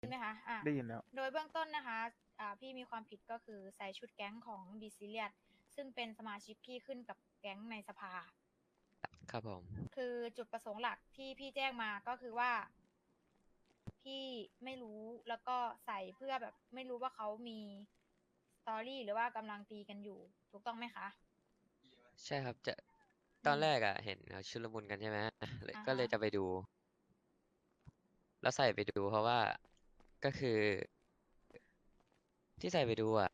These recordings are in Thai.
ใช่ไหมคะได้ยินแล้วโดยเบื้องต้นนะคะพี่มีความผิดก็คือใส่ชุดแก๊งของบิซิเลียสซึ่งเป็นสมาชิกพี่ขึ้นกับแก๊งในสภาครับผมคือจุดประสงค์หลักที่พี่แจ้งมาก็คือว่าพี่ไม่รู้แล้วก็ใส่เพื่อแบบไม่รู้ว่าเขามีสตอรี่หรือว่ากำลังตีกันอยู่ถูกต้องไหมคะใช่ครับจะตอืมอนแรกอ่ะเห็นเขาชุลมุนกันใช่ไหมก็อ่าฮะเลยจะไปดู แล้วใส่ไปดูเพราะว่าก็คือที่ใส่ไปดูอ่ะ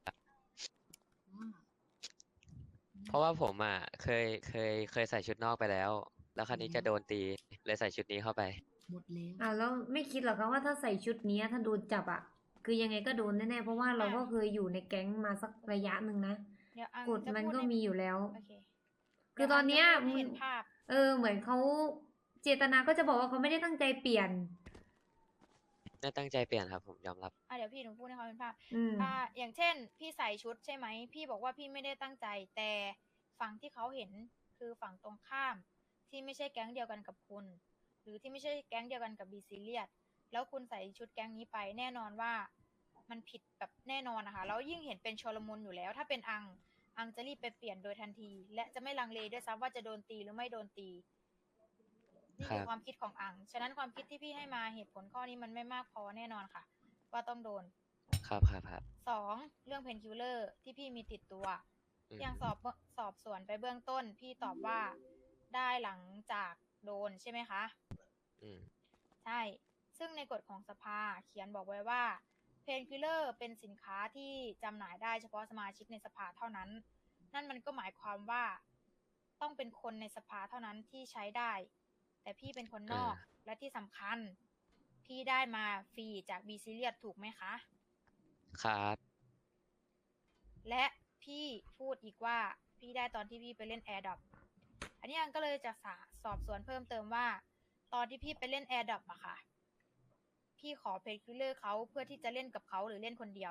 เพราะว่าผมอ่ะเคยใส่ชุดนอกไปแล้ว แล้วคราวนี้จะโดนตีเลยใส่ชุดนี้เข้าไปหมดแล้วแล้วไม่คิดหรอกคะว่าถ้าใส่ชุดนี้ถ้าโดนจับคือยังไงก็โดนแน่ๆเพราะว่าเราก็เคยอยู่ในแก๊งมาสักระยะหนึ่งนะเดี๋ยวอังกฎจะมันพูดก็ให้มีอยู่แล้วโอเคคือตอนเนี้ยดี๋วงจะพูดให้เห็นภาพเหมือนเขาเจตนาก็จะบอกว่าเขาไม่ได้ตั้งใจเปลี่ยนไม่ตั้งใจเปลี่ยนครับผมยอมรับเดี๋ยวพี่หนูพูดให้เขาเป็นภาพอืมอย่างเช่น พี่ใส่ชุดใช่ไหม พี่บอกว่าพี่ไม่ได้ตั้งใจ แต่ฝั่งที่เขาเห็นคือฝั่งตรงข้าม ที่ไม่ใช่แก๊งเดียวกันกับคุณ หรือที่ไม่ใช่แก๊งเดียวกันกับบีซีเรียสแล้วคุณใส่ชุดแก๊งนี้ไปแน่นอนว่ามันผิดแบบแน่นอนนะคะแล้วยิ่งเห็นเป็นชลมุนอยู่แล้ว ถ้าเป็นอังจะรีบไปเปลี่ยนโดยทันที และจะไม่ลังเลด้วยซ้ำว่าจะโดนตีหรือไม่โดนตี นี่คือครับความคิดของอัง ฉะนั้นความคิดที่พี่ให้มาเหตุผลข้อนี้มันไม่มากพอแน่นอนค่ะ ว่าต้องโดนครับครับครับสองเรื่องเพนคิลเลอร์ที่พี่มีติดตัวอืมอย่างสอบสวนไปเบื้องต้น พี่ตอบว่าได้หลังจากโดนใช่ไหมคะอืมใช่ ซึ่งในกฎของสภาเขียนบอกไว้ว่าเพนคิลเลอร์เป็นสินค้าที่จำหน่ายได้เฉพาะสมาชิกในสภาเท่านั้น นั่นมันก็หมายความว่าต้องเป็นคนในสภาเท่านั้นที่ใช้ได้ แต่พี่เป็นคนนอก และที่สำคัญ พี่ได้มาฟรีจากบีซิเลียสถูกไหมคะครับและพี่พูดอีกว่าพี่ได้ตอนที่พี่ไปเล่น AirDrop อันนี้อันก็เลยจะสอบสวนเพิ่มเติมว่า ตอนที่พี่ไปเล่น AirDrop อะค่ะ พี่ขอเพจคิลเลอร์เขาเพื่อที่จะเล่นกับเขาหรือเล่นคนเดียว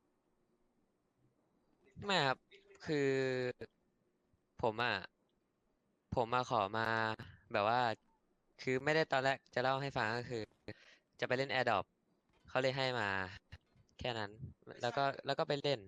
ไม่ครับ คือผมอ่ะ ผมมาขอมาแบบว่า คือไม่ได้ตอนแรกจะเล่าให้ฟังก็คือ จะไปเล่น AirDrop เขาเลยให้มา แค่นั้น แล้วก็ไปเล่น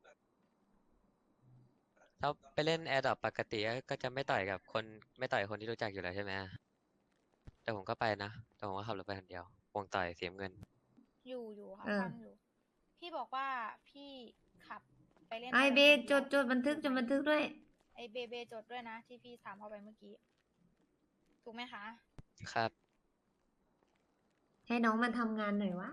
แล้วไปเล่น AirDrop ปกติก็จะไม่ต่อยกับคนไม่ต่อยคนที่รู้จักอยู่แล้วใช่ไหมแต่ผมก็ไปนะ แต่ผมก็ขับรถไปคนเดียววงต่อยเสียเงินอยู่ค่ะเออฟังอยู่ พี่บอกว่าพี่ขับไปเล่นไอ AirDrop เบคนดียวจดบันทึกด้วยไอเบจดด้วยนะ ที่พี่ถามเข้าไปเมื่อกี้ ถูกไหมคะครับให้น้องมันทำงานหน่อยวะ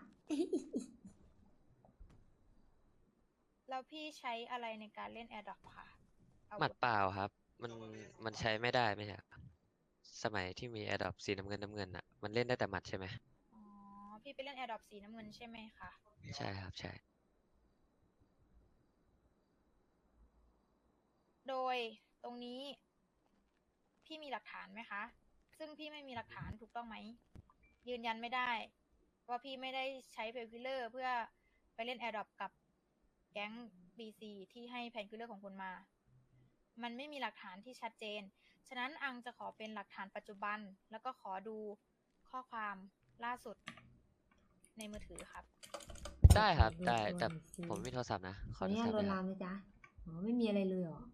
แล้วพี่ใช้อะไรในการเล่น AirDrop ค่ะอาหมัวุดธเปล่าครับ มันใช้ไม่ได้ไม่ใช่เหรอสมัยที่มี Adopt สีน้ำเงินอ่ะ มันเล่นได้แต่หมัดใช่ไหมอ๋อ พี่ไปเล่น AirDrop สีน้ำเงินใช่ไหมคะใช่ครับ ใช่โดยตรงนี้พี่มีหลักฐานไหมคะ ซึ่งพี่ไม่มีหลักฐานถูกต้องไหม ยืนยันไม่ได้ ว่าพี่ไม่ได้ใช้เพนคิลเลอร์เพื่อไปเล่น AirDrop กับแก๊ง BC ที่ให้เพนคิลเลอร์ของคุณมา มันไม่มีหลักฐานที่ชัดเจน ฉะนั้นอังจะขอเป็นหลักฐานปัจจุบัน แล้วก็ขอดูข้อความล่าสุดในมือถือครับได้ครับขอดูได้ตัวแต่หน่อยสิผมไม่มีโทรศัพท์นะ ขขอออโทนุรญาศัตพท์ลหวน่นอยคลารับมนะจ๊ะไม่มีอะไรเลยเหรอ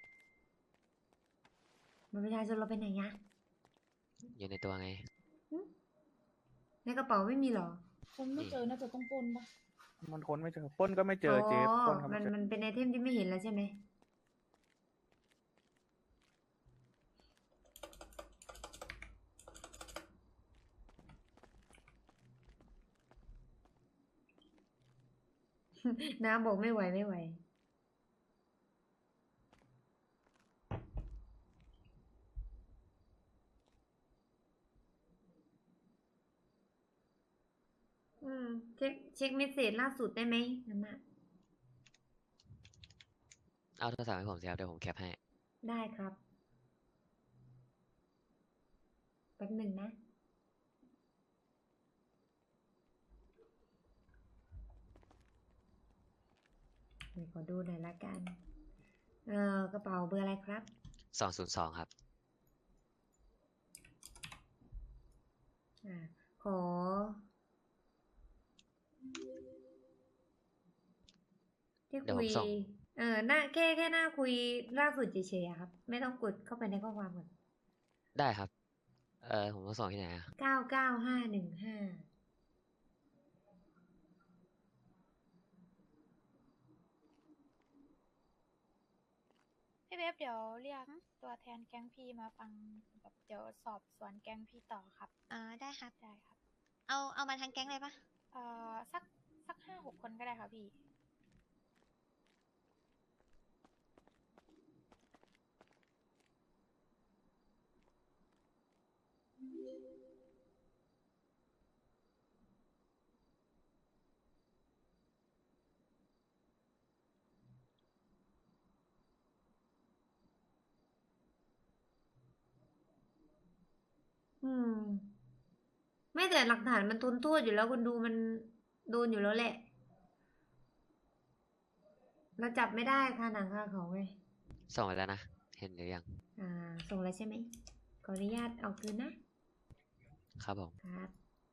มันประชาชนเราไปไหนอะอยู่ในตัวไงในกระเป๋าไม่มีเหรอคนไม่เจอน่าจะต้องปล้นปะมันค้นไม่เจอปล้นก็ไม่เจอเจ๊ปล้นเขามัไม่นเจอมันเป็นไอเทมที่ไม่เห็นแล้วใช่ไหม น้าบอกไม่ไหว เช็คเมสเสจล่าสุดได้ไหมน้ำอะเอาโทรศัพท์ให้ผมสิครับ เดี๋ยวผมแคปให้ได้ครับ แป๊บหนึ่งนะ เดี๋ยวขอดูหน่อยละกัน กระเป๋าเบอร์อะไรครับ 202 ครับอ่า ขอที่เดี๋ยวคุผยมส่งหน้าแค่หน้าคุยล่าสุดเฉยๆอะครับ ไม่ต้องกดเข้าไปในข้อความก่อนได้ครับ ผมต้องส่งที่ไหนอะ 99515 พี่เวฟเดี๋ยวเรียกตัวแทนแก๊งพี่มาฟังแบบเดี๋ยวสอบสวนแก๊งพี่ต่อครับได้ครับได้ครับเอามาทั้งแก๊งเลยปะสัก5-6 คนก็ได้ค่ะพี่อืม ไม่แต่หลักฐานมันทนโทษอยู่แล้วคนดูมันโดนอยู่แล้วแหละ เราจับไม่ได้ค่ะหนังคาเขาไงส่งไปแล้วนะ เห็นหรือยังส่งแล้วใช่ไหม ขออนุญาตเอาคืนนะครับผมครับ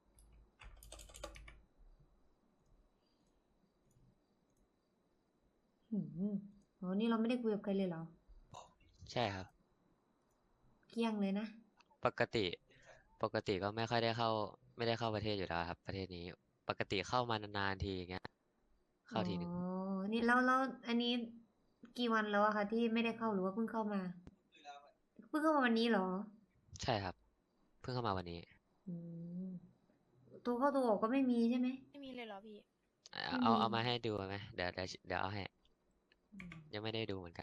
อ๋อ นี่เราไม่ได้คุยกับใครเลยเหรอใช่ครับเกลี้ยงเลยนะปกติก็ไม่ค่อยได้เข้า ไม่ได้เข้าประเทศอยู่แล้วครับ ประเทศนี้ ปกติเข้ามานานๆทีอย่างเงี้ย เข้าทีหนึ่งอ๋อ นี่แล้วอันนี้กี่วันแล้วอะคะที่ไม่ได้เข้าหรือว่าเพิ่งเข้ามา เพิ่งเข้ามาวันนี้เหรอใช่ครับ เพิ่งเข้ามาวันนี้อืมตัวเข้าตัวออกก็ไม่มีใช่ไหมไม่มีเลยเหรอพี่ไม่เอามีมาให้ดูไหมเดี๋ยวเอาให้ ยังไม่ได้ดูเหมือนกัน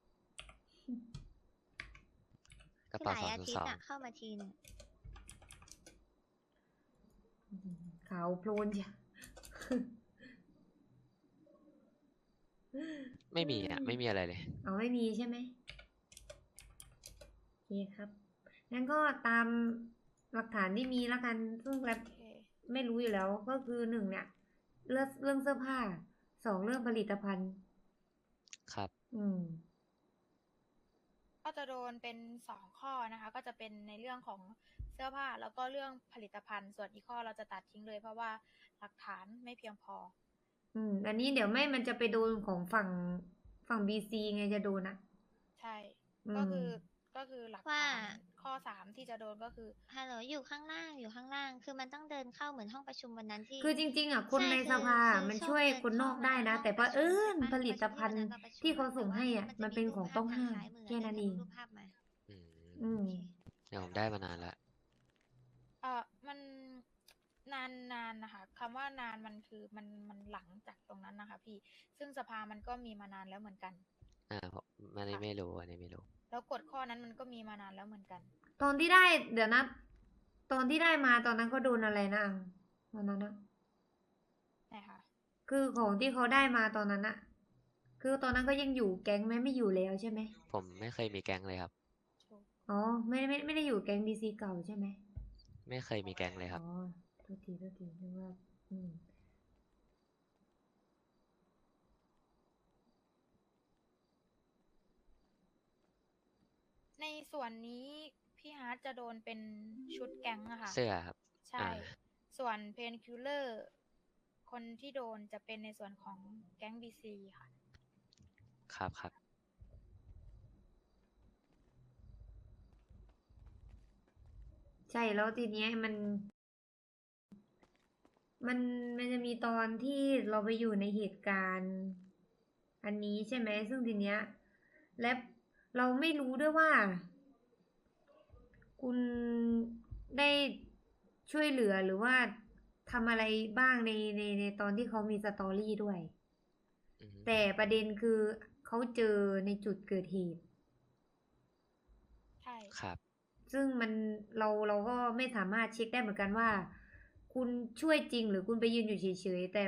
กระคือเป๋าหลายอาทิตย์ 202 อะเข้ามาทีหนึงขาวโพลนจ้ะไม่มีอ่ะ ไม่มีอะไรเลยเอาไม่มีใช่ไหมโอเคครับ งั้นก็ตามหลักฐานที่มีแล้วกัน ซึ่งแรปโอเคไม่รู้อยู่แล้ว ก็คือหนึ่งเนี่ยเรื่องเสื้อผ้า 2 เรื่องผลิตภัณฑ์ครับก็จะโดนเป็น2 ข้อนะคะ ก็จะเป็นในเรื่องของเสื้อผ้าแล้วก็เรื่องผลิตภัณฑ์ ส่วนอีกข้อเราจะตัดทิ้งเลย เพราะว่าหลักฐานไม่เพียงพออันนี้เดี๋ยวมันจะไปโดนของฝั่งBC ไงจะโดนอ่ะใช่อืมก็คือหลักว่าฐานข้อ 3 ที่จะโดนก็คือฮัลโหลอยู่ข้างล่าง คือมันต้องเดินเข้าเหมือนห้องประชุมวันนั้นที่คือจริงๆอ่ะคนใช่ในคือสภาคือมันส้มช่วยเดินคนนอกเข้าได้มานะห้องแต่ปว่าระชุมใช่ปะผลิตภัณฑ์ประชุมที่วันนั้นมาประชุมที่เขาส่งให้อ่ะแต่มันว่าเป็นของต้องห้ามมันจะมีรูปภาพทางซ้ายมือแค่นั้นเองรูปภาพมาอืมอืมเดี๋ยวผมได้มานานแล้วมันนานนะคะคำว่านานมันคือมันหลังจากตรงนั้นนะคะพี่ ซึ่งสภามันก็มีมานานแล้วเหมือนกันผมอันนี้ค่ะไม่รู้ อันนี้ไม่รู้แล้วกฎข้อนั้นมันก็มีมานานแล้วเหมือนกันตอนที่ได้เดี๋ยวนะ ตอนที่ได้มาตอนนั้นเขาโดนอะไรนะอังตอนนั้นนะนะคะคือของที่เขาได้มาตอนนั้นอะคือตอนนั้นก็ยังอยู่แก๊งไหมไม่อยู่แล้วใช่ไหมผมไม่เคยมีแก๊งเลยครับถูกอ๋อไม่ได้อยู่แก๊งBCเก่าใช่ไหมไม่เคยมีแก๊งเลยครับอ๋อโทษทีนึกว่าในส่วนนี้พี่ฮาร์ดจะโดนเป็นชุดแก๊งอะค่ะเสื้อครับใช่ ส่วนเพนคิลเลอร์คนที่โดนจะเป็นในส่วนของแก๊งบีซีค่ะครับใช่แล้วทีเนี้ยมันจะมีตอนที่เราไปอยู่ในเหตุการณ์ อันนี้ใช่ไหมซึ่งทีเนี้ยและเราไม่รู้ด้วยว่า คุณได้ช่วยเหลือหรือว่าทำอะไรบ้างในตอนที่เขามีสตอรี่ด้วยอืมแต่ประเด็นคือเขาเจอในจุดเกิดเหตุใช่ครับซึ่งเราก็ไม่สามารถเช็คได้เหมือนกันว่า คุณช่วยจริงหรือคุณไปยืนอยู่เฉยๆแต่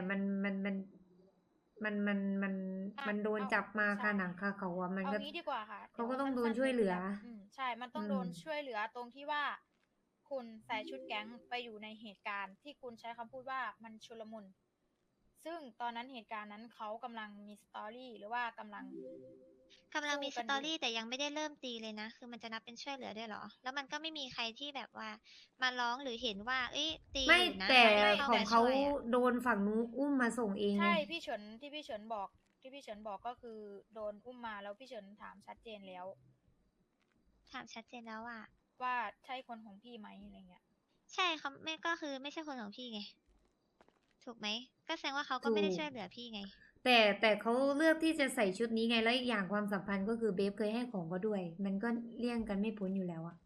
มันโดนจับมาคาหนังคาเขาอ่ะมันเอาก็งี้ดีกว่าค่ะเขาก็ดี๋ต้องโดนสั้ๆช่วยเหลือใช่ มันต้องโดนช่วยเหลือตรงที่ว่า คุณใส่ชุดแก๊งไปอยู่ในเหตุการณ์ที่คุณใช้คำพูดว่ามันชุลมุน ซึ่งตอนนั้นเหตุการณ์นั้นเขากำลังมีสตอรี่หรือว่ากำลังมีสู้สกันตออยู่รี่แต่ยังไม่ได้เริ่มตีเลยนะ คือมันจะนับเป็นช่วยเหลือด้วยเหรอ แล้วมันก็ไม่มีใครที่แบบว่ามาร้องหรือเห็นว่า เอ้ยตีไม่อยู่นะแต่ไม่ของเขาช่วยอะโดนฝั่งนู้นอุ้มมาส่งเองไงใช่พี่เฉินที่พี่เฉินบอกที่พี่เฉินบอกก็คือโดนอุ้มมาแล้วพี่เฉินถามชัดเจนแล้วถามชัดเจนแล้วว่าว่าใช่คนของพี่ไหมอะไรเงี้ยใช่เขาไม่ก็คือไม่ใช่คนของพี่ไง ถูกไหม ก็แสดงว่าเขาก็ไม่ได้ถูกช่วยเหลือพี่ไงแต่เขาเลือกที่จะใส่ชุดนี้ไงแล้วอีกอย่างความสัมพันธ์ก็คือเบฟเคยให้ของเขาด้วย มันก็เลี่ยงกันไม่พ้นอยู่แล้วอะ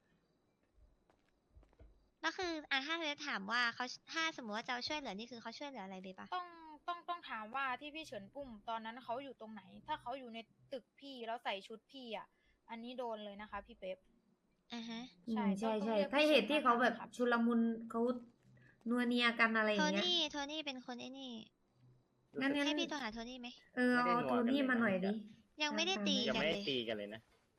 แล้วคือถ้าเบสถามว่าเขาถ้าสมมติว่าจะเอาช่วยเหลือนี่คือเขาช่วยเหลืออะไรเบสปะต้องถามว่าที่พี่เฉินอุ้มตอนนั้นเขาอยู่ตรงไหน ถ้าเขาอยู่ในตึกพี่แล้วใส่ชุดพี่อ่ะ อันนี้โดนเลยนะคะ พี่เป๊ปอ่าฮะอืใช่มใช่ต้องใช่เรียกถ้าพี่เหฉินตุที่มเขาแบบครับชุลมุนเขานัวเนียกันอะไรอโทย่างเงี้ยโทนี่เป็นคนไอ้นี่งั้นให้พี่โทรหาโทนี่ไหมเอาไม่ได้นัวโทนี่กันเลยมาหน่อยนะดิยังไม่ได้ตามตียังกันไม่เลได้ยตีกันเลยนะ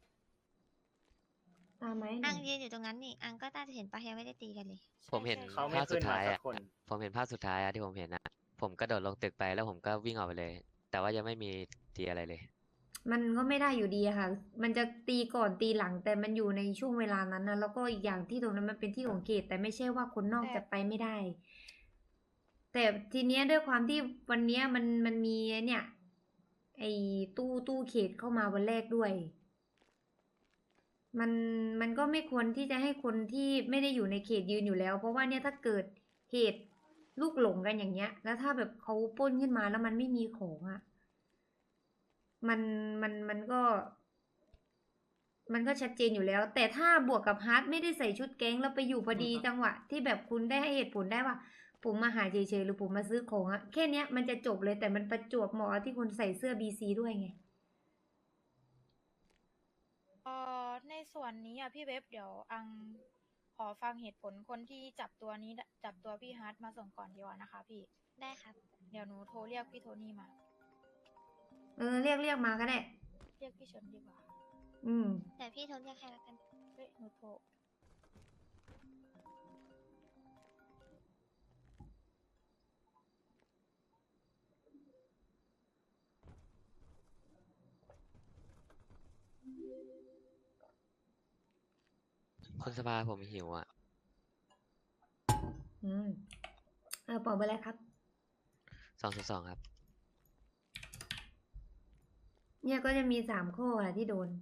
ตามไหมหน่อัอง ยยืนอยู่ตรงนั้นนี่ อังก็น่าจะเห็นปะยังไม่ได้ตีกันเลยผมเห็นเขาไม่ภาพสุดท้ายขึ้นมาสัอ่ะกคนผมเห็นภาพสุดท้ายอ่ะที่ผมเห็นอ่ะ ผมกระโดดลงตึกไปแล้วผมก็วิ่งออกไปเลย แต่ว่ายังไม่มีตีอะไรเลยมันก็ไม่ได้อยู่ดีอะค่ะ มันจะตีก่อนตีหลัง แต่มันอยู่ในช่วงเวลานั้นนะแล้วก็อีกอย่างที่ตรงนั้นมันเป็นที่ของเขต แต่ไม่ใช่ว่าคนนอกจะไปไม่ได้ แต่ทีเนี้ยด้วยความที่วันเนี้ยมันมีเนี่ย ไอ้ตู้เขตเข้ามาวันแรกด้วย มันก็ไม่ควรที่จะให้คนที่ไม่ได้อยู่ในเขตยืนอยู่แล้ว เพราะว่าเนี่ยถ้าเกิดเหตุลูกหลงกันอย่างเงี้ย แล้วถ้าแบบเขาปล้นขึ้นมาแล้วมันไม่มีของอะมันก็ชัดเจนอยู่แล้ว แต่ถ้าบวกกับฮาร์ดไม่ได้ใส่ชุดแก๊งแล้วไปอยู่พอดีจังหวะที่แบบคุณได้ให้เหตุผลได้ว่า ผมมาหาเฉยๆหรือผมมาซื้อของอะแค่เนี้ยมันจะจบเลยแต่มันประจวบเหมาะที่คุณใส่เสื้อ BC ด้วยไงในส่วนนี้อ่ะพี่เว็บเดี๋ยวอังขอฟังเหตุผลคนที่จับตัวพี่ฮาร์ดมาส่งก่อนดีกว่านะคะ พี่ได้ครับเดี๋ยวหนูโทรเรียกพี่โทนี่มาเรียกมาก็ได้เรียกพี่เฉินดีกว่าอืมแต่พี่โทรเรียกให้แล้วกันเฮ้ยหนูโทรคุณสภาผมหิวอ่ะอืมบอกไปเลยครับ 202ครับเนี่ยก็จะมี3 ข้ออะที่โดน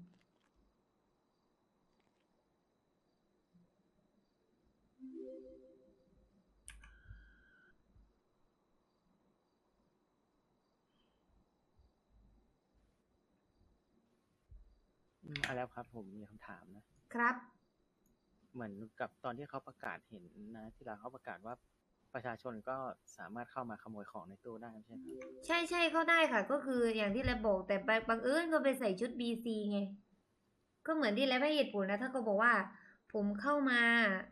แล้วครับ ผมมีคำถามนะครับเหมือนกับตอนที่เขาประกาศเห็นนะที่เราเขาประกาศว่าประชาชนก็สามารถเข้ามาขโมยของในตู้ได้ใช่ไหมครับใช่เข้าได้ค่ะ ก็คืออย่างที่แลบบอกแต่บังเอิญก็ไปใส่ชุด BC ไง ก็เหมือนที่แลบให้เหตุผลนะ ถ้าก็บอกว่า ผมเข้ามา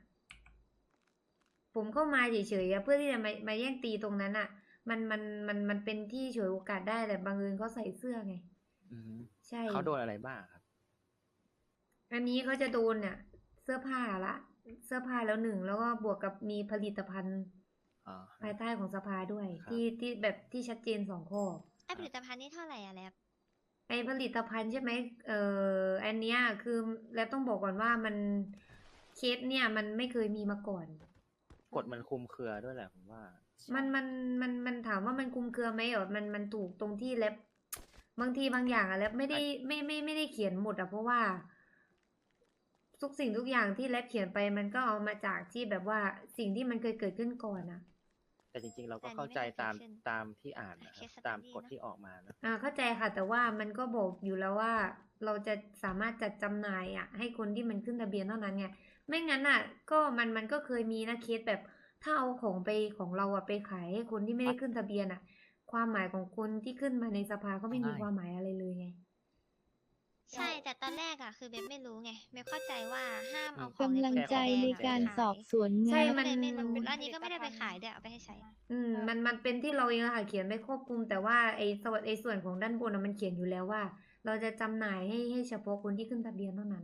เฉยๆอะเพื่อที่จะมาแย่งตีตรงนั้นอะมันเป็นที่ฉวยโอกาสได้แต่บังเอิญเขาใส่เสื้อไงอืมใช่เขาโดนอะไรบ้างครับอันนี้เขาจะโดนเนี่ยเสื้อผ้าแล้ว1แล้วก็บวกกับมีผลิตภัณฑ์อ๋อภายใต้ของสภาด้วยครับที่แบบที่ชัดเจน2 ข้อไอผลิตภัณฑ์นี่เท่าไหร่อะแลบไอผลิตภัณฑ์ใช่ไหมอันเนี้ยคือแล้วต้องบอกก่อนว่ามันเคสเนี่ยมันไม่เคยมีมาก่อนกฎมันคลุมเครือด้วยแหละผมว่ามันถามว่ามันคุมเครือไหมมันถูกตรงที่แลบบางทีบางอย่างอะแลบไม่ได้เขียนหมดอะเพราะว่า ทุกสิ่งทุกอย่างที่แลบเขียนไปมันก็เอามาจากที่แบบว่าสิ่งที่มันเคยเกิดขึ้นก่อนอะแต่จริงๆ เราก็แต่อันนี้เข้าใจไม่ได้ตามเกิดขึ้นตามที่อ่านนะคเครับสสตั๊ดดี้ตามกฎนะที่ออกมานะเข้าใจค่ะ แต่ว่ามันก็บอกอยู่แล้วว่า เราจะสามารถจัดจำหน่ายอ่ะ ให้คนที่มันขึ้นทะเบียนเท่านั้นไงไม่งั้นอ่ะ ก็มันก็เคยมีนะเคสแบบ ถ้าเอาของเราอ่ะไปขายให้คนที่ไม่ได้ขึ้นทะเบียนอ่ะ ความหมายของคนที่ขึ้นมาในสภาก็ไม่มีความหมายอะไรเลยไงใช่ แต่ตอนแรกอะคือเบสไม่รู้ไงเบสเข้าใจว่าห้ามเอาของกำลังใจในการสอบสวนใช่งานมันเลยไม่รู้เป็นแล้วอันนี้ก็ไม่ได้ไปผลิตภัณฑ์ขายด้วยเอาไปให้ใช้มันเป็นที่เราเองอะค่ะเขียนไม่ครอบคลุม แต่ว่าไอ้ส่วนของด้านบนอะมันเขียนอยู่แล้วว่า เราจะจำหน่ายให้เฉพาะคนที่ขึ้นทะเบียนเท่านั้น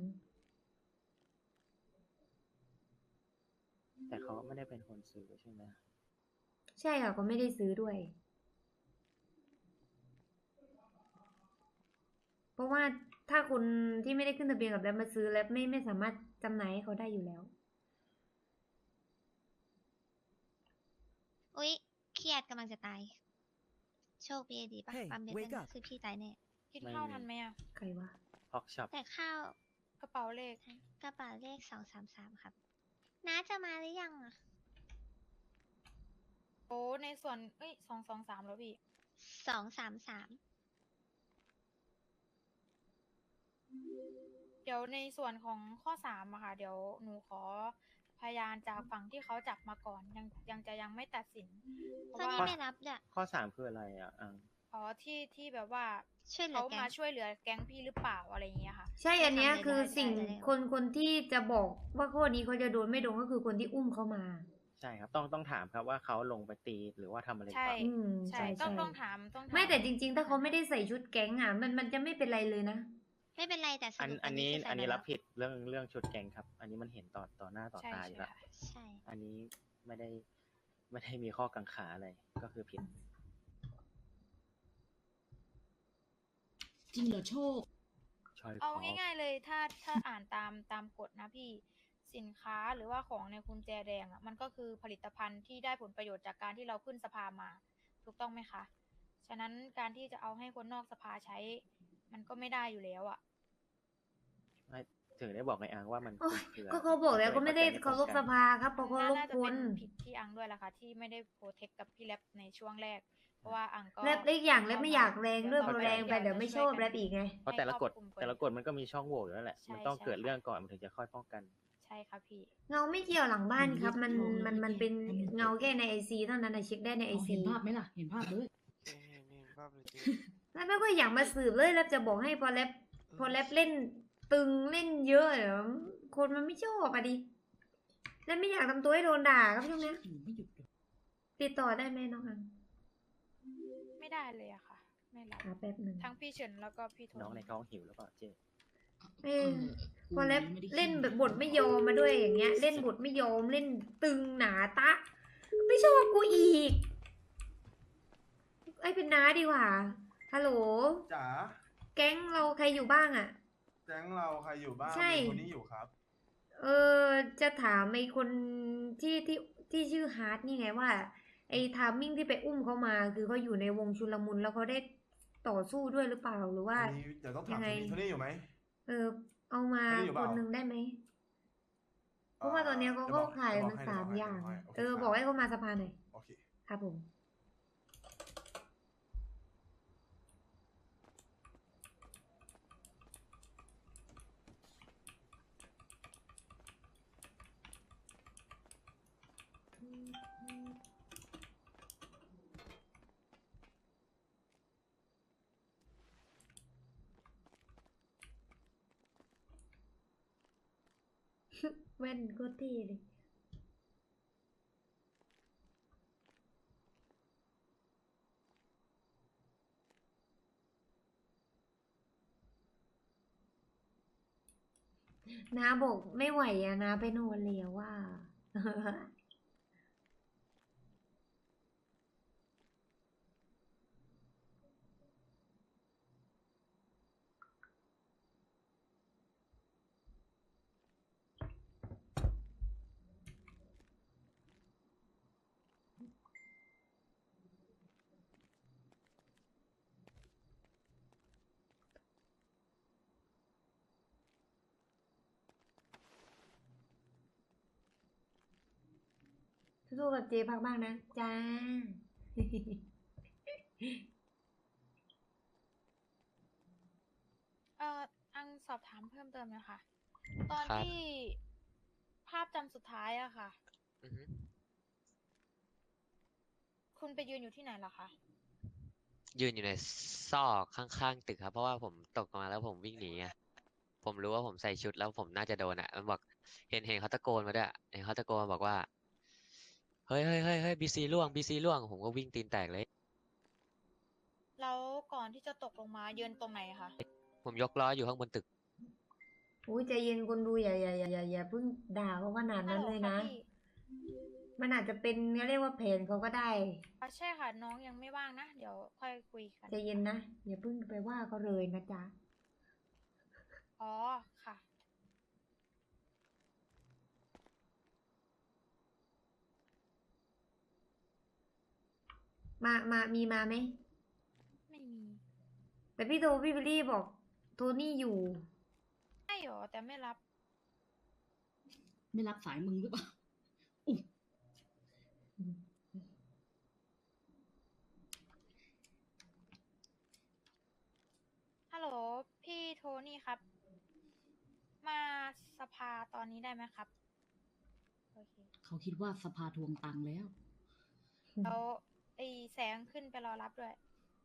แต่เขาไม่ได้เป็นคนซื้อใช่ไหมใช่ค่ะก็ไม่ได้ซื้อด้วย เพราะว่าถ้าคนที่ไม่ได้ขึ้นทะเบียนกับแลบมาซื้อแล้วไม่สามารถจำหน่ายให้เขาได้อยู่แล้วอุ๊ยเครียดกำลังจะตายโชคพีเอดีป่ะ Hey, ปั๊มเบส wake นะ up คือพี่ตายแน่กินข้าวทันไหมอะใครวะพอกช็อปแต่ข้าวกระเป๋าเลขกระเป๋าเลข233ครับน้าจะมาหรือยังอ่ะโอ้ในส่วนเอ้ย223แล้วพี่ 233 เดี๋ยวในส่วนของข้อ3อะค่ะ เดี๋ยวหนูขอพยานจากฝั่งที่เขาจับมาก่อน ยังไม่ตัดสิน เพราะตอนว่านี้ไม่รับเนี่ยข้อสามคืออะไรอ่ะอังอ๋อที่แบบว่าช่วยเหลือเขาแก๊งมาช่วยเหลือแก๊งพี่หรือเปล่าอะไรอย่างเงี้ยค่ะใช่อันเนี้ยทำอะไรคือได้สิ่งได้แล้วคนที่จะบอกว่าข้อนี้เขาจะโดนไม่โดนก็คือคนที่อุ้มเขามาใช่ครับ ต้องถามครับว่าเขาลงไปตีหรือว่าทำอะไรใช่ต่ออืมใช่ใช่ต้องถามต้องถามไม่แต่จริง ๆ ถ้าเขาไม่ได้ใส่ชุดแก๊งอ่ะมันจะไม่เป็นไรเลยนะไม่เป็นไรแต่สอันรุปอันนี้คือใส่อันนี้มารับผิดเรื่องชุดแกงครับ อันนี้มันเห็นต่อหน้าต่อใช่ตาอยู่ใช่แล้วค่ะใช่อันนี้ไม่ได้มีข้อกังขาอะไรก็คือผิดจริงเหรอโชคชอยคเอาอง่ายๆเลยถ้าอ่านตามกฎนะพี่สินค้าหรือว่าของในกุญแจแดงอ่ะมันก็คือผลิตภัณฑ์ที่ได้ผลประโยชน์จากการที่เราขึ้นสภามา ถูกต้องไหมคะ ฉะนั้นการที่จะเอาให้คนนอกสภาใช้ มันก็ไม่ได้อยู่แล้วอ่ะไม่ถึงได้บอกไงอังว่ามันโอ๊ยคลุมเครือก็เขาบอกแล้วก็ไม่ได้เข้าใจเคารพสภาครับเพราะเคารพน่าจะคเป็น นผิดที่อังด้วยล่ะค่ะที่ไม่ได้โปรเทคกับพี่แรปในช่วงแรก เพราะว่าอังก็แรปเล็กอย่างแรปไม่อยากแรงด้วยพเดี๋อยวแรงไปเดี๋ยวไม่ชอบแรปอีกไงเพราะแต่ละกฎให้ครอบคลุมกว่าแต่ละกฎมันก็มีช่องโหว่อยู่แล้วแหละใช่มันต้องใช่เกิดค่ะเรื่องก่อนมันถึงจะค่อยป้องกันใช่ค่ะพี่เงาไม่เกี่ยวหลังบ้านครับ มันอืมมันเป็นเงาแค่ในไอซีเท่านั้นนะเช็คได้ในไอเอาซีเห็นภาพไหมล่ะ เห็นภาพเลยแล้วก็อยากมาสืบเลยแรปจะบอกให้พอแรปเล่นตึงเล่นเยอะเดี๋ยวคนมันไม่ชอบอะดิแล้วไม่อยากทำตัวให้โดนด่าครับช่วงเนี้ยไม่หยุดเลยติดต่อได้ไหมน้องอังไม่ได้เลยอะค่ะ ไม่รับหาแป๊บหนึ่งทั้งพี่เฉินแล้วก็พี่โทน้องในนี่ท้องหิวแล้วเปล่าเจ๊เออพอกูแรปไม่ได้เล่นขี้แบบบทไม่ยอมมาด้วยอย่างเงี้ย เล่นบทไม่ยอมเล่นตึงหนาตะ ไม่ชอบกูอีกไอ้เป็นน้าดีกว่าฮัลโหลจ๋าแก๊งเราใครอยู่บ้างอะแก๊งเราใครอยู่บ้างใช่มีคนนี้อยู่ครับเออจะถามไอ้คนที่ชื่อฮาร์ดนี่ไงว่า ไอ้ทามมิ่งที่ไปอุ้มเขามาคือเขาอยู่ในวงชุลมุนแล้วเขาได้ต่อสู้ด้วยหรือเปล่าหรือว่ามีเดี๋ยวต้องถามยังไงโทนี่อยู่ไหมเออ เอามาไม่ได้อยู่คเปล่านหนึ่งได้ไหม เพราะว่าตอนเนี้ยเขาจะก็บอกขายจะบมัอกนให้สามจะอย่างให้เออโคบอกให้เขามาสภาหน่อยโอเคครับผม แว่นก็เท่เลย นาบอกไม่ไหวอะนาไปนอนแล้วว่า สู้ๆกับเจพักบ้างนะ จ้าอังสอบถามเพิ่มเติมนะคะ ตอนครับที่ภาพจำสุดท้ายอะค่ะอือฮึคุณไปยืนอยู่ที่ไหนเหรอคะยืนอยู่ในซอกข้างๆตึกครับ เพราะว่าผมตกลงมาแล้วผมวิ่งหนีไงผมรู้ว่าผมใส่ชุดแล้วผมน่าจะโดนอ่ะมันบอกเห็นเขาตะโกนมาด้วยเห็นเขาตะโกนมาบอกว่า เฮ้ยบีซีล่วงบีซีล่วง ผมก็วิ่งตีนแตกเลยแล้วก่อนที่จะตกลงมายืนตรงไหนคะผมยกล้ออยู่ข้างบนตึกอุ้ยใจเย็นคนดูอย่าเพิ่งด่าเขาขนาดนั้นเลยนะฮัลโหค่พี่มันอาจจะเป็นเขาเรียกว่าแผนเขาก็ได้ใช่ค่ะ น้องยังไม่ว่างนะ เดี๋ยวค่อยคุยกันใจเย็นนะ อย่าเพิ่งไปว่าเขาเลยนะจ๊ะอ๋อ ค่ะมีมาไหมแต่พี่บิลลี่บอกโทนี่อยู่ใช่หรอแต่ไม่รับไม่รับสายมึงหรือเปล่าอุ๊ยฮัลโหลพี่โทนี่ครับ มาสภาตอนนี้ได้ไหมครับโอเคเขาคิดว่าสภาทวงตังค์แล้วแล้วไอ้แสงขึ้นไปรอรับด้วย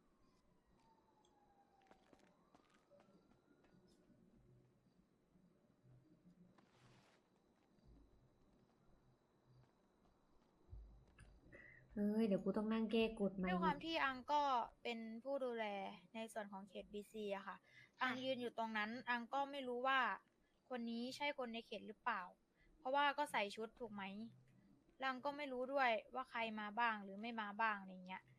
เฮ้ย เดี๋ยวกูต้องนั่งแก้กฎใหม่ด้วยคอีวามกที่อังก็เป็นผู้ดูแลในส่วนของเขตบีซีอะค่ะ อังยืนอยู่ตรงนั้น อังก็ไม่รู้ว่าคนนี้ใช่คนในเขตหรือเปล่า เพราะว่าก็ใส่ชุดถูกไหมแล้วอังก็ไม่รู้ด้วยว่าใครมาบ้างหรือไม่มาบ้างอะไรเงี้ย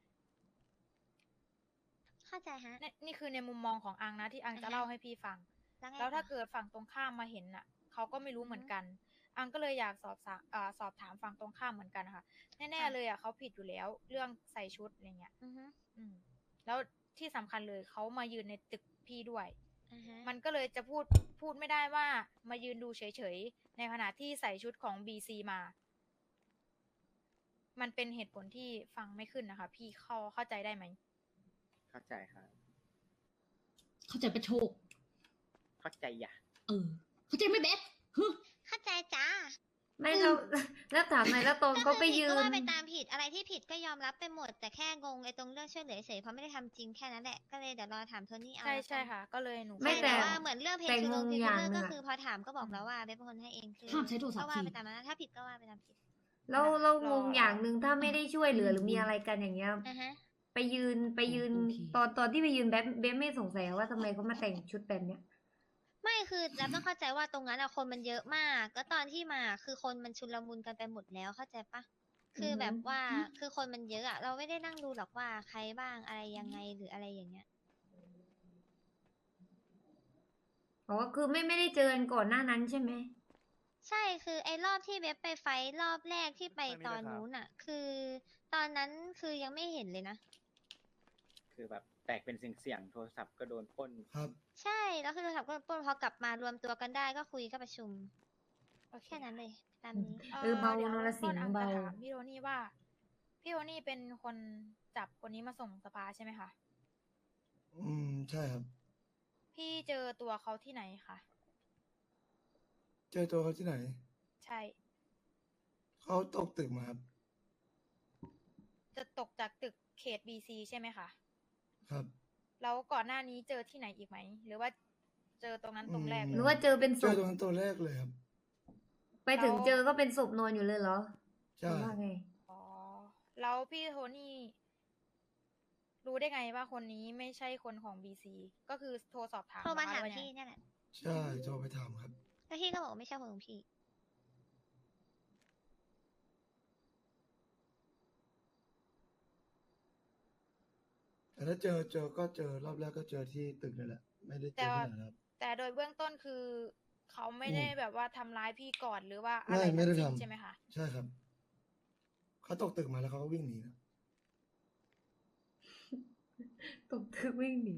เข้าใจฮะนี่คือในมุมมองของอังนะที่อังจะอ่าฮะเล่าให้พี่ฟังแล้วไงแล้วถ้าต่อเกิดฝั่งตรงข้ามมาเห็นน่ะเขาก็ไม่รู้เหมือนกัน อังก็เลยอยากสอบถามฝั่งตรงข้ามเหมือนกันค่ะ แน่ๆเลยอ่ะเขาผิดอยู่แล้ว เรื่องใส่ชุดอะไรเงี้ยอือฮึแล้วที่สำคัญเลยเขามายืนในตึกพี่ด้วยอ่าฮะมันก็เลยจะพูดไม่ได้ว่ามายืนดูเฉยๆ ในขณะที่ใส่ชุดของ BC มา มันเป็นเหตุผลที่ฟังไม่ขึ้นนะคะ พี่เข้าใจได้ไหมเข้าใจครับเข้าใจประโชคเข้าใจอย่าเข้าใจไหม่เบสฮึเข้าใจจ้าไม่แล้ว แล้วถามหน่อยแล้วตอนเขาไปยืก็นว่าไปตามผิดอะไรที่ผิดก็ยอมรับไปหมด แต่แค่งงไอ้ตรงเรื่องช่วยเหลือเฉยเพราะไม่ได้ทำจริงแค่นั้นแหละก็เลยเดี๋ยวรอถามโทนี่เอาใช่แล้วกันใช่ค่ะ ก็เลยหนูไม่ใช่แต่แต่ว่าเหมือนเรื่องเพลแต่งคือง ลงงเพลงอย่างเลอหนึ่ก็งอะคือพอถามก็บอกแล้วว่าเบสเป็นคนให้เองคือห้ามใช้โทรศัพก็ท์ว่าทีไปตามนั้นถ้าผิดก็ว่าไปตามผิดแล้วเรางงอย่างหนึ่งถ้าไม่ได้ช่วยเหลือหรือมีอะไรกันอย่างเงี้ยอ่าฮะไปยืนโอเคตอนที่ไปยืนเบ๊ไม่สงสัยว่าทำไมเขามาแต่งชุดแบบเนี้ยไม่คือแล้วต้องเข้าใจว่าตรงนั้นอะคนมันเยอะมากแล้วตอนที่มาคือคนมันชุลมุนกันไปหมดแล้วเข้าใจปะคือแบบว่าคือคนมันเยอะอะเราไม่ได้นั่งดูหรอกว่าใครบ้างอะไรยังไงหรืออะไรอย่างเงี้ยอ๋อคือไม่ได้เจอกันก่อนหน้านั้นใช่ไหมใช่คือไอ้รอบที่เว็บไปไฟท์รอบแรกที่ไปตอนนู้นอะคือตอนนั้นคือยังไม่เห็นเลยนะคือแบบแตกเป็นเสียงๆโทรศัพท์ก็โดนปล้นครับใช่แล้วคือโทรศัพท์ก็ปล้นพอกลับมารวมตัวกันได้ก็คุยก็ประชุมโอเคแค่นั้นเลยตามนี้เบาดี๋ยวนรสิงห์ต้อังเบาจะถามพี่โทนี่ว่า พี่โทนี่เป็นคนจับคนนี้มาส่งสภาใช่ไหมคะใช่ครับพี่เจอตัวเขาที่ไหนคะเจอตัวเขาที่ไหนใช่เขาตกตึกมาครับจะตกจากตึกเขต BC ใช่ไหมคะครับแล้วก่อนหน้านี้เจอที่ไหนอีกไหม หรือว่าเจอตรงนั้นตรงแรกหเลรือย ว่าเจอเป็นศเจอพตรงนั้นตัวแรกเลยครับไปถึงเจอก็เป็นศพนอนอยู่เลยเหรอหใช่รือว่าไงอ๋อ แล้วพี่โทนี่รู้ได้ไงว่าคนนี้ไม่ใช่คนของ BC ก็คือโทรสอบถามโทรมาเหอคะถามหรือว่พี่ยังไงเนี่ยแหละใช่โทรไปถามครับแล้วพี่ก็บอกว่าไม่ใช่คนของพี่แต่ถ้าเจอก็เจอรอบแรกก็เจอที่ตึกนั่นแหละ ไม่ได้เจแต่อว่าที่ไหนครับแต่โดยเบื้องต้นคือเขาไม่ได้อืมแบบว่าทำร้ายพี่ก่อนหรือว่าอะไม่ไรไม่ได้ทั้งสิ้นทำใช่ไหมคะใช่ครับ เขาตกตึกมาแล้วเขาก็วิ่งหนีนะตกตึกวิ่งหนี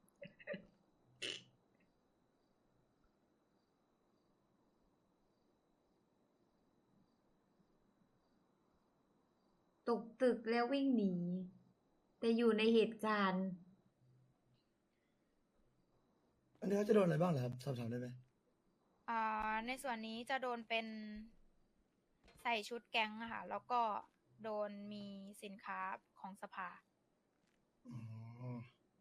ตกตึกแล้ววิ่งหนี แต่อยู่ในเหตุการณ์อันนี้เขาจะโดนอะไรบ้างเหรอครับ สอบถามได้ไหมในส่วนนี้จะโดนเป็นใส่ชุดแก๊งอะค่ะ แล้วก็โดนมีสินค้าของสภาอ๋อ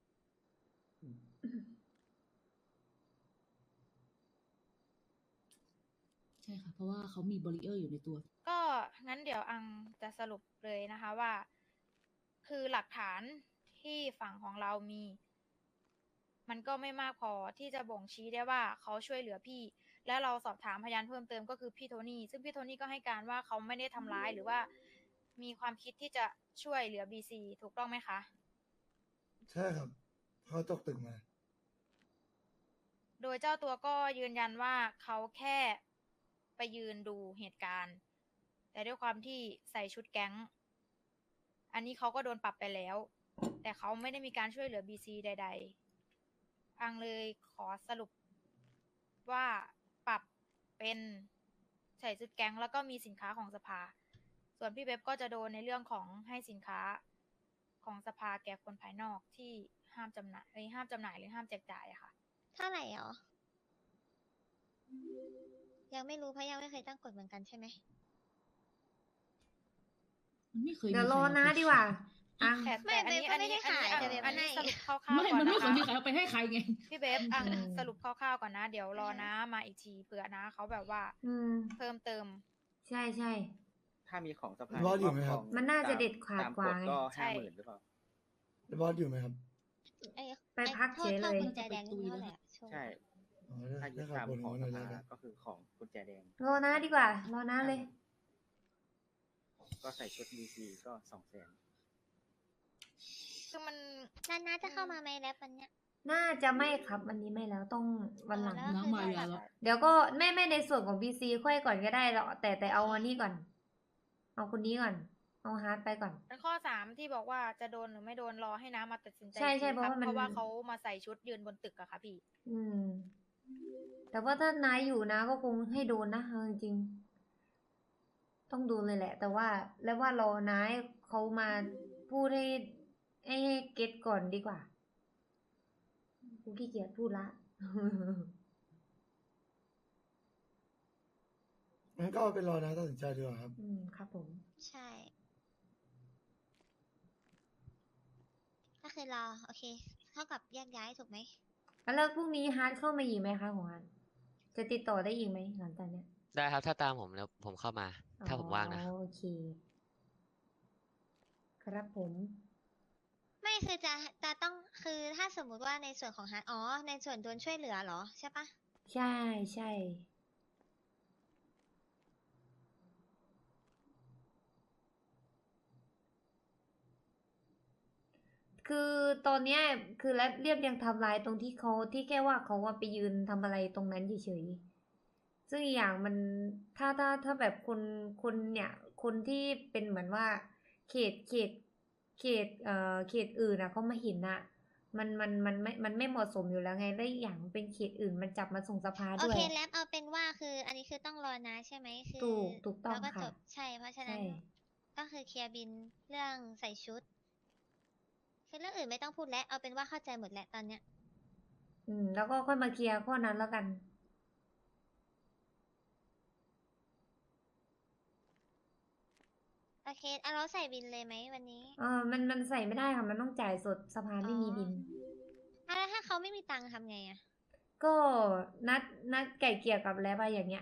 ใช่ค่ะ เพราะว่าเขามีบริเออร์อยู่ในตัวก็งั้นเดี๋ยวอังจะสรุปเลยนะคะว่า คือหลักฐานที่ฝั่งของเรามี มันก็ไม่มากพอที่จะบ่งชี้ได้ว่าเขาช่วยเหลือพี่ และเราสอบถามพยานเพิ่มเติมก็คือพี่โทนี่ซึ่งพี่โทนี่ก็ให้การว่าเขาไม่ได้ทำร้ายหรือว่ามีความคิดที่จะช่วยเหลือ BC ถูกต้องไหมคะใช่ครับเขาตกตึกมาโดยเจ้าตัวก็ยืนยันว่าเขาแค่ไปยืนดูเหตุการณ์ แต่ด้วยความที่ใส่ชุดแก๊ง อันนี้เขาก็โดนปรับไปแล้ว แต่เขาไม่ได้มีการช่วยเหลือ BC ใดอังเลยขอสรุปว่าปรับเป็นใส่ชุดแก๊งแล้วก็มีสินค้าของสภา ส่วนพี่เว็บก็จะโดนในเรื่องของให้สินค้าของสภาแก่คนภายนอกที่ห้ามจำหน่ายหรือห้ามแจกจ่ายอะค่ะเท่าไหร่หรอ ยังไม่รู้เพราะยังไม่เคยตั้งกฎเหมือนกันใช่ไหมมันไม่เคยเดี๋ยวรอมีใคนะเอาไปดีกว่าขายอังแต่อันนี้ไม่เว็บก็ไม่ได้ขายแต่เว็บอันนี้ให้สรุปคร่าวๆไม่ก่อนมันไม่นะเคยคะมีใครเอาไปให้ใครไงพี่เว็บอังอืมสรุปคร่าวๆก่อนนะ เดี๋ยวรอนะมาอีกทีเผื่อนะเขาแบบว่าอืมเพิ่มเติมใช่ใช่ถ้ามีของสภาบอสอยู่ไหมครับมันน่าจะเด็ดขาดตามกว่าฎไงก็ใช่ 50,000หรือเปล่าบอสอยู่ไหมครับไปพักเฉยเลยโทษกุญแจแดงนี่เท่าไหร่อะโชว์ใช่อ๋อถ้าได้ยึดข่าวตามบนขหัองวหสน่อยแล้วภากันก็คือของกุญแจแดงรอนะดีกว่า รอนะเลยก็ใส่ชุด DC ก็200,000 คือมันนาจะเข้ามาไหมแรปวันเนี้ยน่าจะไม่ครับวันนี้ไม่แล้วต้องวันหลังแล้วน้องมายาแล้วเดี๋ยวก็ไม่ในส่วนของ BC ค่อยก่อนก็ได้หรอกแต่เอาอันนี้ก่อน เอาคนนี้ก่อน เอาฮาร์ดไปก่อนเป็นข้อ3ที่บอกว่าจะโดนหรือไม่โดนรอให้น้ามาตัดสินใจใช่ใช่อีกทีเพราะว่ามันเพราะว่าเขามาใส่ชุดยืนบนตึกอะค่ะพี่อืม แต่ว่าถ้านายอยู่นะก็คงให้โดนนะเอาจริงๆต้องโดนเลยแหละ แต่ว่าแล้วว่ารอนายเขามาพูดให้เก็ตก่อนดีกว่ากูขี้เกียจพูดละงั้นก็เอาเป็นรอนะตัดสินใจดีกว่าครับอืมครับผมใช่ ก็คือรอ โอเค เท่ากับแยกย้ายถูกไหมแล้วพรุ่งนี้ฮาร์ดเข้ามาอีกไหมคะของฮาร์ดจะติดต่อได้อีกไหมหลังจากเนี้ยได้ครับถ้าตามผมแล้วผมเข้ามา ถ้าผมว่างนะอ๋อโอเค ครับผมไม่คือจะต้องคือถ้าสมมุติว่าในส่วนของฮาร์ดอ๋อ ในส่วนโดนช่วยเหลือเหรอใช่ปะใช่ใช่ คือตอนเนี้ยคือและเรียบเรียงไทำลายตรงที่เขาที่แค่ว่าเขาว่าไปยืนทำอะไรตรงนั้นเฉยๆซึ่งอีกอย่างมันถ้าแบบคนเนี่ยคนที่เป็นเหมือนว่าเขตอื่นนะเขามาเห็นอะมันไม่เหมาะสมอยู่แล้วไงและอีกอย่างเป็นเขตอื่นมันจับมาส่งสภาโอด้วยเคแรปเอาเป็นว่าคือ อันนี้คือต้องรอนะใช่ไหมคือถูกต้องแล้วก็ค่ะจบใช่เพราะฉะนั้ใช่น ก็คือเคลียร์บินเรื่องใส่ชุด คือเรื่องอื่นไม่ต้องพูดแล้วเอาเป็นว่าเข้าใจหมดแล้วตอนเนี้ยแล้วก็ค่อยมาเคลียร์ข้อนั้นแล้วกันโอเคเอาเราใส่บินเลยไหมวันนี้มันใส่ไม่ได้ค่ะ มันต้องจ่ายสดสภาไม่มีบินแล้วถ้าเขาไม่มีตังค์ทำไงอะก็นัดไก่เกลี่ยกับแล้วอะไรอย่างเงี้ย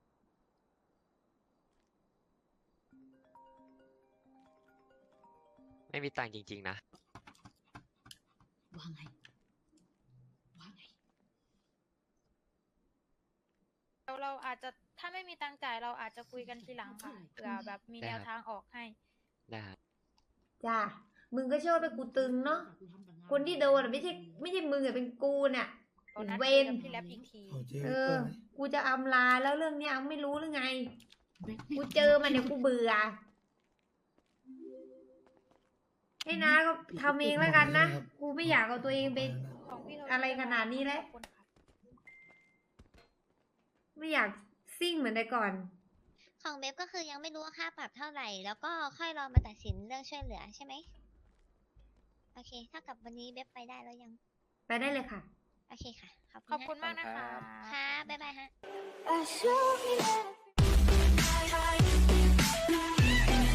ไม่มีตังค์จริงๆนะว่าไง ว่าไงเราอาจจะถ้าไม่มีตังค์จ่ายเราอาจจะคุยกันทีหลังค่ะเผื่อแบบมีได้แนครัวบทางออกให้ได้ครับจ้า มึงก็ชอบไปกูตึงเนาะ คนที่โดนอะไม่ใช่มึงอะเป็นกูเนี่ยเรานัดเวคุยนกับพี่แรปอีกทีเอาเจ๊เอเปิ้อลไหมกูจะอำลาแล้วเรื่องเนี้ยไม่รู้หรือไง กูเจอมันเดี๋ยวกูเบื่อ ให้นะก็ทำเองแล้วกันนะ กูไม่อยากเอาตัวเองไปของพี่โทอะไรขนาดนี้แล้วขอบคุณค่ะไม่อยากซิ่งเหมือนแต่ก่อนของเบฟก็คือยังไม่รู้ว่าค่าปรับเท่าไหร่ แล้วก็ค่อยรอมาตัดสินเรื่องช่วยเหลือใช่ไหม โอเคเท่ากับวันนี้เบฟไปได้แล้วยังไปได้เลยค่ะโอเคค่ะขอบคุณมากนะคะค่ะบ๊ายบายฮะ I show you